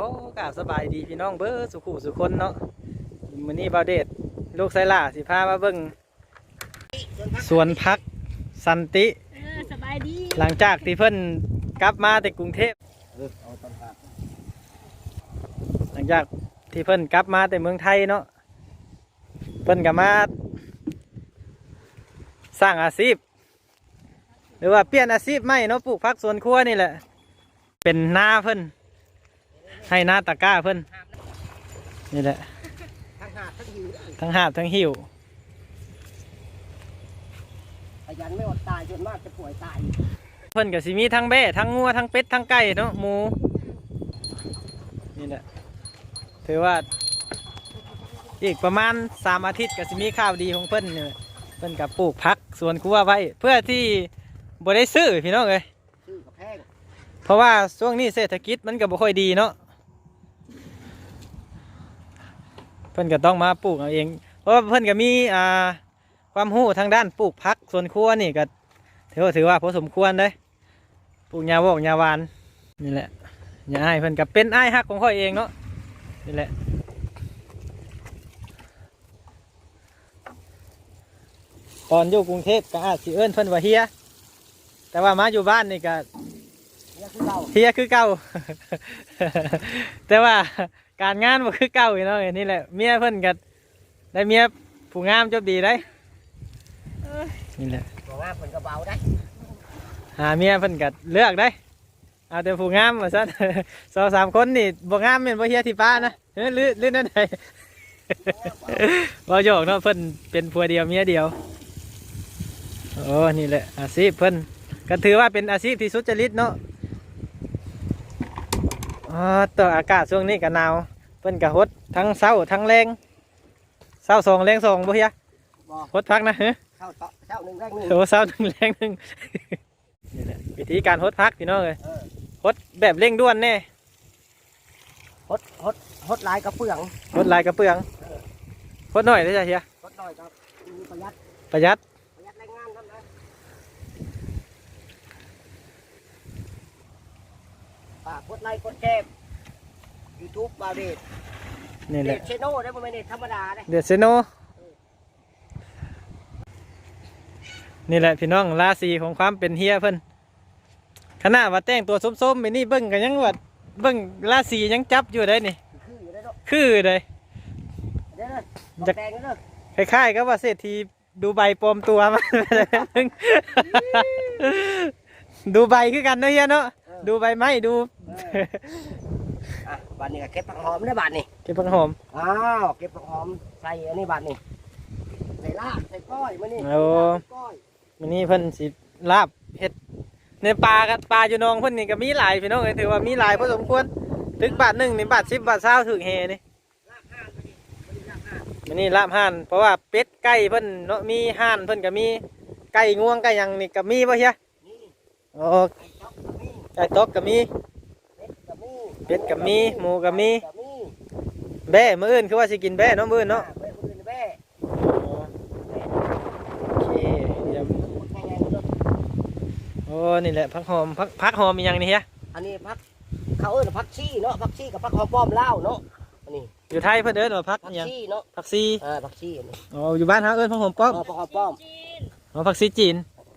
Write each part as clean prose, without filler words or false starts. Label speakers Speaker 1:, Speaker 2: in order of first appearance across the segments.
Speaker 1: ขอกราบสบายดีพี่น้องเบ้อสุขุสุคนเนาะมื้อนี้บ่าวเดชลูกไซล่าสิพามาเบิ่งสวนพักสันติ
Speaker 2: สบายดี
Speaker 1: หลังจากที่เพิ่นกลับมาแต่กรุงเทพหลังจากที่เพิ่นกลับมาแต่เมืองไทยเนาะเพิ่นก็มาสร้างอาชีพหรือว่าเปลี่ยนอาชีพใหม่เนาะปลูกผักสวนครัวนี่แหละเป็นนาเพิ่นให้นาตะกร้าเพิ่นนี่แหละทั้งหาบทั้งหิว
Speaker 3: ขยันไม่อดตายจนมากจะป่วยตาย
Speaker 1: เพิ่นกับสิมีทั้งแบ่ทั้งงัวทั้งเป็ดทั้งไก่เนาะหมูนี่แหละถือว่าอีกประมาณ3 อาทิตย์กับสิมีข้าวดีของเพิ่นเนี่ยเพิ่นกับปลูกผักสวนครัวไว้เพื่อที่บ่ได้ซื้อพี่น้องเอ้ย
Speaker 3: ซื้อกับแพง
Speaker 1: เพราะว่าช่วงนี้เศรษฐกิจมันก็บ่ค่อยดีเนาะเพิ่นก็ต้องมาปลูกเอาเองเพราะว่าเพิ่นก็มีความรู้ทางด้านปลูกผักสวนครัวนี่ก็ถือว่าพอสมควรเลยปลูกหญ้าวอกหญ้าหวานนี่แหละหญ้าอ้ายเพิ่นก็เป็นอ้ายฮักของข้อยเองเนาะนี่แหละตอนอยู่กรุงเทพก็อาจสิเอิ้นเพิ่นว่าเฮียแต่ว่ามาอยู่บ้านนี่ก็เฮียคือเก่า แต่ว่าการงานบ่คือเก่าอยู่เนาะนี่แหละเมียเพิ่นก็ได้เมียผู้งามจบดีได้นี่แหละ
Speaker 3: บอกว่าเพิ่นก็เบาได้
Speaker 1: หาเมียเพิ่นก็เลือกได้เอาแต่ผู้งามว่าซั่น 2-3 คนนี่บ่งามแม่นบ่เฮียที่ป้านะลื่นนั่นใด บ่โยกเนาะเพิ่นเป็นผัวเดียวเมียเดียวโอ้นี่แหละอาชีพเพิ่นก็ถือว่าเป็นอาชีพที่สุจริตเนาะตัวอากาศช่วงนี้ก็หนาวเพิ่นก็ฮดทั้งเช้าทั้งแรงเช้า2แรง2บ่เฮียฮดพักนะเ
Speaker 3: ช้าหนึ่งแรงหนึ่ง
Speaker 1: โอ้เช้า1แรง1นี่แหละวิธีการฮดพักพี่น้องเอ้ยฮดแบบเร่งด่วนแน่
Speaker 3: ฮดลายกระเปือง
Speaker 1: ฮดลายกระเปืองฮดหน่อยได้จ้ะเฮีย
Speaker 3: ฮดหน่อยครับประหยัด
Speaker 1: ประหยัด
Speaker 3: แรงงานทำนะฝากกดไลค์กดแชร์ YouTube บาวเดช
Speaker 1: นี่แหละ
Speaker 3: เดชเชโน่ได้บ่แม่นเดชธรรมดาเด้
Speaker 1: เดชเชโนนี่แหละพี่น้องราศีของความเป็นเฮียเพิ่นขณะว่าแต่งตัวส้มๆไปนี่เบิ่งกันยังว่าเบิ่งราศียังจับอยู่ได้นี่คือเลย
Speaker 3: จะแต่งเด้อ
Speaker 1: คล้ายๆกับว่าเศรษฐีดูใบปลอมตัวมา ดูใบคือกันเนาะเฮียเนาะดูใบไม้ดู
Speaker 3: บาดนี้ก็เก็บผักหอมได้บาดนี้
Speaker 1: เก็บผักหอม
Speaker 3: อ้าวเก็บผักหอมใส่อันนี้บาดนี้ใส่ลาบใส่ก้อยมื้อนี้
Speaker 1: โอ้มื้อนี้เพิ่นสิลาบเฮ็ดในปลากับปลาอยู่นองเพิ่นนี่ก็มีหลายพี่น้องถือว่ามีหลายพอสมควรถึงบาท1นี่บาท10บาท20ถึงแฮนี่มื้อนี้ลาบห่านเพราะว่าเป็ดไก่เพิ่นเนาะมีห่านเพิ่นก็มีไก่งวงไก่หยังนี่ก็มีบ่เฮียโอ้ไก่ตอกก็มีเป็ดก็มีหมูก็มีแบ่มื้ออื่นคือว่าสิกินแบ่เนาะมื้ออื่นเนาะโอเคโอ้นี่แหละผักหอมผักหอมมีอย่างนี้เฮีย
Speaker 3: อันนี้ผักเขาเอิ้นผักชีเนาะผักชีกับผักหอมป้อมลาวเนาะอันนี้
Speaker 1: อยู่ไทยเพิ่นเอิ้นว่าผัก
Speaker 3: ชีเนาะ
Speaker 1: ผักชี
Speaker 3: ผักชีอันนี้
Speaker 1: อ๋ออยู่บ้านเฮาเอิ้นผักหอมป้อม
Speaker 3: ผักหอมป้อม
Speaker 1: อ๋อผักชีจีน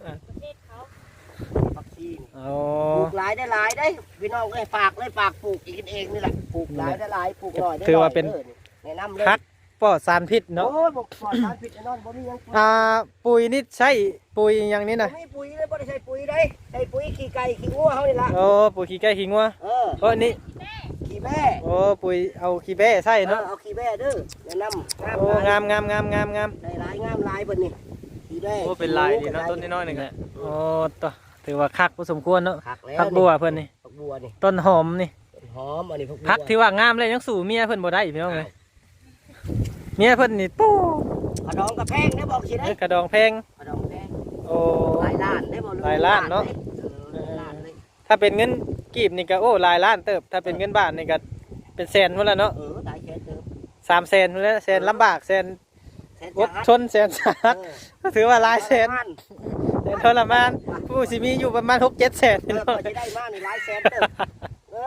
Speaker 3: ผักชี
Speaker 1: อ๋อ
Speaker 3: ปลูกหลายได้หลายได้พี่น้องเอ้ยฝากปลูกกินเองนี่แหละปลูกหลายได้หลายปลูกน้อยได้
Speaker 1: ถือว่าเป็น
Speaker 3: แนะนำเลย
Speaker 1: ผักปลอดสารพิษเนาะ
Speaker 3: โอ้ยปลอดสารพิษแน่นอนบ่มีหยัง
Speaker 1: ปุ๋ยนี่ใช่ปุ๋ยอย่างนี้นะ
Speaker 3: ไม่ปุ๋ยเลยบ่ได้ใช้ปุ๋ยได้ใช้ปุ๋ยขี้ไก่ขี้งัวเฮานี่ล่ะ
Speaker 1: โอ้ปุ๋ยขี้ไก่ขี้งัวเพราะนี่
Speaker 3: ขี้แบ่
Speaker 1: โอ้ปุ๋ยเอาขี้แบ่ใช่เนาะ
Speaker 3: เอาขี้แบ่เด้อแนะน
Speaker 1: ำโอ้งาม
Speaker 3: ได้หลายงามหลายเบิ่นนี่ขี้แบ่
Speaker 1: โอ้เป็นลายดีเนาะต้นน้อยๆนึงอ่ะโอ้ต่อถือว่าคักพอสมควรเนาะผักบัวเพิ่นนี่
Speaker 3: ผักบัวนี่
Speaker 1: ต้นหอมนี่
Speaker 3: หอมอันนี้
Speaker 1: ผักที่ว่างามเลยยังสู่เมียเพิ่นบ่ได้พี่น้องเอ้ยเมียเพิ่นนี่ปู้
Speaker 3: กระดองกระแพงได้บอกสิได้
Speaker 1: กระดองแพงโอ้
Speaker 3: หลายล้านได้บอก
Speaker 1: หลายล้านเนาะถ้าเป็นเงินกีบนี่ก็โอ้หลายล้านเติบถ้าเป็นเงินบาทนี่ก็เป็นแสนหมดแล้วเนาะ
Speaker 3: หลายแสนเติบ
Speaker 1: 3 แสนหมดแล้วแสนลำบากแสนอดทนแสนสาหัสก็ถือว่าหลายแสนทรมานผู้สิมีอยู่ประมาณ6-7 แสน
Speaker 3: พี่น้องจะได้มานี่หลายแสนเติบฝ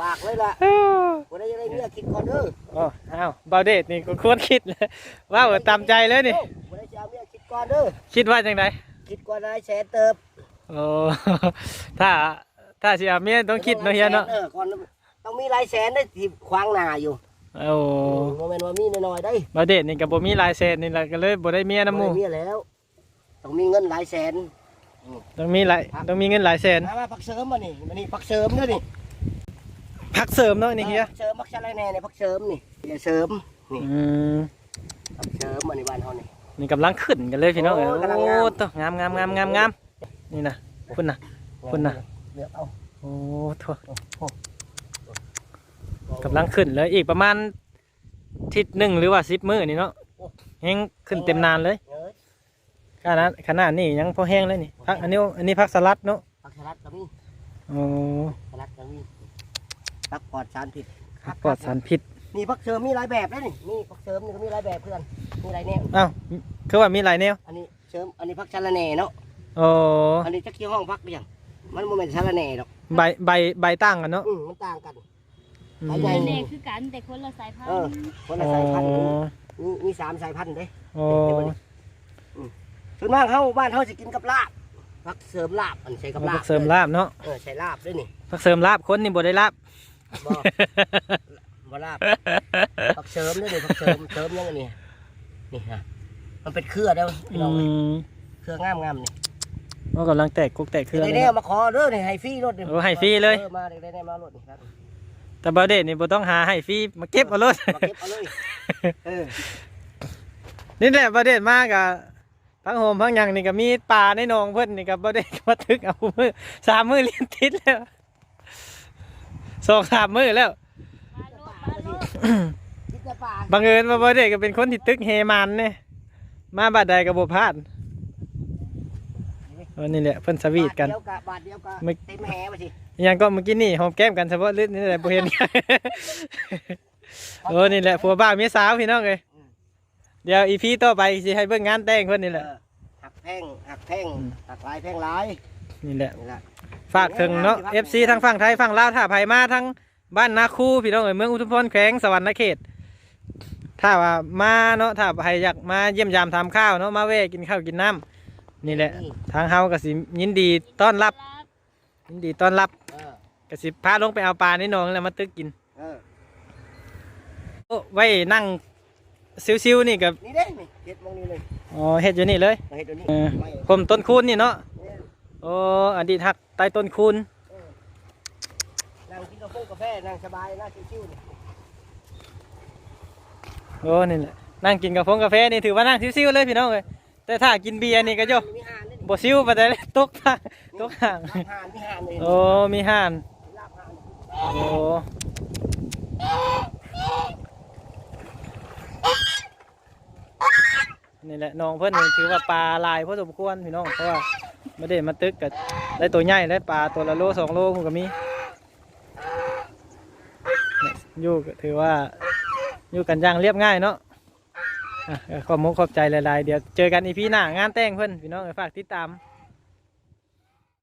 Speaker 3: ฝากเลยล่ะวันนี้จะได้เมียคิดก่อนเด้อ
Speaker 1: โอ้อ้าวบาวเดชนี่ก็ควรคิดเลยว้าวตามใจเลยนี่
Speaker 3: วันนี้จะเอาเมียคิดก่อนเด้อ
Speaker 1: คิดว่าจังได
Speaker 3: คิดก่อนนายแสนเติบ
Speaker 1: โอ้ ถ้าสิเอาเมียต้องคิดเนาะเฮียเนาะ
Speaker 3: ก่อนต้องมีหลายแสนได้ที่ขวางหน้าอยู่
Speaker 1: โอ้
Speaker 3: โมเมนต์ว่ามีน้อยๆได้
Speaker 1: บาวเดชนี่ก็บ่มีลายเซ็นนี่แหละก็เลยบ่ได้เมียนำหมู่
Speaker 3: บ่ได้เมียแล้วต้องมีเงินหลายแสน
Speaker 1: ต้องมีเงินหลายแสน
Speaker 3: มาพักเสริมมานี่มานี่พักเสริมเด้อนี่
Speaker 1: พักเสริมเนาะนี่เฮีย
Speaker 3: พักเสริมพักชะไรแน่เนี่ยพักเสริมนี่อย่าเสริมนี่
Speaker 1: อืม
Speaker 3: พักเสริมมาในบ้านเฮานี่
Speaker 1: นี่กำลังขึ้นกันเลยพี่น้องเอ้ย
Speaker 3: โอ้ยกำลัง
Speaker 1: โอ้
Speaker 3: งาม
Speaker 1: ตัวงามนี่นะคุณนะ คุณน่ะ
Speaker 3: เลือกเอา
Speaker 1: โอ้โทั่ว
Speaker 3: โอ้
Speaker 1: กำลังขึ้นเลยอีกประมาณทิศหนึ่งหรือว่า10 มื้อนี่เนาะแห้งขึ้นเต็มนานเลย
Speaker 3: เอ้ย
Speaker 1: ขนาดนี้ยังพอแห้งเลยนี่พักอันนี้พักสลัดเนาะ
Speaker 3: พักสลัดก็มี
Speaker 1: โอ้
Speaker 3: สลัดก็มีพักปลอดสารพิษ
Speaker 1: ปลอดสารพิษ
Speaker 3: นี่พักเสริมมีหลายแบบเลยนี่พักเสริมนี่ก็มีหลายแบบเพื่อนมีหลายแนว
Speaker 1: อ้าวคือว่ามีหลายแนว
Speaker 3: อันนี้เสริมอันนี้พักชะละแหน่เนาะ
Speaker 1: โอ้
Speaker 3: อันนี้จะเกี่ยวห้องพักไปยังมันโมเมนต์ชะละแหน่หรอก
Speaker 1: ใบตั้งกันเนาะ
Speaker 3: มันต่างกัน
Speaker 1: อืม
Speaker 3: ใบใหญ่
Speaker 2: แน่คือกันแต่คนละสายพัน
Speaker 3: เออ
Speaker 2: ธุ์
Speaker 3: คนละสายพันธุ์มี3 สายพันธุ์เด้
Speaker 1: โอ้
Speaker 3: ส่วนมากเฮาบ้านเฮาสิกินกับลาบพักเสริมลาบอันใช้กับลา
Speaker 1: พั
Speaker 3: บ
Speaker 1: กเสริมลาบเนาะ
Speaker 3: ใช้ลาบด้วยนี่
Speaker 1: พักเสริมลาบคนนี่บ่ได้ลาบ
Speaker 3: บ่บ่ลาบพักเสริมด้วยนี่พักเสริมยังไงนี่นี่ฮะมันเป็นเครือเด้อพี่น้อง เครืองามๆนี่
Speaker 1: ก็กำลังแตกกุกแตกเครือ
Speaker 3: ได้
Speaker 1: เลย
Speaker 3: แน่
Speaker 1: เนาะ
Speaker 3: มาขอเด้อนี่ให้ฟรีรถนี่
Speaker 1: โอ้ให้ฟรีเลย
Speaker 3: มาได้แน่มารถนี่ครับ
Speaker 1: แต่บาเดชนี่บ่ต้องหาให้ฟรีมาเก็บเอารถ
Speaker 3: มาเก็บเอาเลยเออ
Speaker 1: นี่แหละบาเดชมากอะพังโฮมพังหยังนี่ก็มีปลาในหนองเพิ่นนี่ก็บาเดชก็มาทึกเอามือ3 มื้อเลี้ยงติดแล้ว2-3 มื้อแล้ว
Speaker 2: มาโลด
Speaker 3: คิดจะป่า
Speaker 1: บังเอิญว่าบาเดชก็เป็นคนที่ตึกเฮมันเนี่ยมาบาดใดก็บ่พลาดนี่แหละเพิ่นสวีทกัน
Speaker 3: บาทเดียวก็
Speaker 1: ไม่
Speaker 3: เต็มแหไปสิ
Speaker 1: ยังก็เมื่อกี้นี่หอมแก้มกันเฉพาะลึกนี่แหละบ่เห็นกัน โอ้นี่แหละผัวบ้าเมียสาวพี่น้องเอ้ยเดี๋ยวอีพีต่อไปสิให้เบิ่งงานแต่งเพิ่นนี่แหละ
Speaker 3: หักแพ่งหักลายแพ่งลาย
Speaker 1: นี่แหละ
Speaker 3: นี่แหละ
Speaker 1: ฝากถึงเนาะ FC ทั้งฝั่งไทยฝั่งลาวถ้าไผมาทั้งบ้านนาคูพี่น้องเอ้ยเมืองอุทุมพรแขวงสวรรณเขตถ้าว่ามาเนาะถ้าไผอยากมาเยี่ยมยามทำข้าวเนาะมาแวะกินข้าวกินน้ำนี่แหละทางเฮาก็สิยินดีต้อนรับยินดีต้อนรับ
Speaker 3: เออ
Speaker 1: ก็สิพาลงไปเอาปลาในหนองแล้วมาตึกกิน
Speaker 3: เออ
Speaker 1: โอ้ไว้นั่งซิวๆนี่กับ
Speaker 3: นี่เด้นี่เฮ็ดมองนี่เลย
Speaker 1: อ๋อเฮ็ดอยู่นี่เลย
Speaker 3: มาเฮ็ดตัวนี้
Speaker 1: เออ
Speaker 3: ไม่
Speaker 1: ผมต้นคูณนี่เนาะ
Speaker 3: เนี่ย
Speaker 1: โอ้อดีตหักใต้ต้นคูณ
Speaker 3: นั่งกินกาแฟนั่งสบายนั่งชิวๆนี่
Speaker 1: โอ้นี่แหละนั่งกินกาแฟนี่ถือว่านั่งซิวๆเลยพี่น้องเลยแต่ถ้ากินเบียร์นี่ก็โย
Speaker 3: มีห่านนี่
Speaker 1: บ่ซิวไปได้เลยตกทางตกห่าง
Speaker 3: ลาบห่านมีห่านเลย
Speaker 1: โอ้มีห่าน
Speaker 3: ลาบห่าน
Speaker 1: โอ้นี่แหละน้องเพิ่นนี่ถือว่าปลาลายพอสมควรพี่น้องเพราะว่าไม่ได้มาตึกกับได้ตัวใหญ่ได้ปลาตัวละโล2 โลผมก็มีเนี่ยอยู่ก็ถือว่าอยู่กันอย่างเรียบง่ายเนาะขอบมุกขอบใจหลายๆเดี๋ยวเจอกันอีพีหน้างานแต่งเพิ่นพี่น้องฝากติดตาม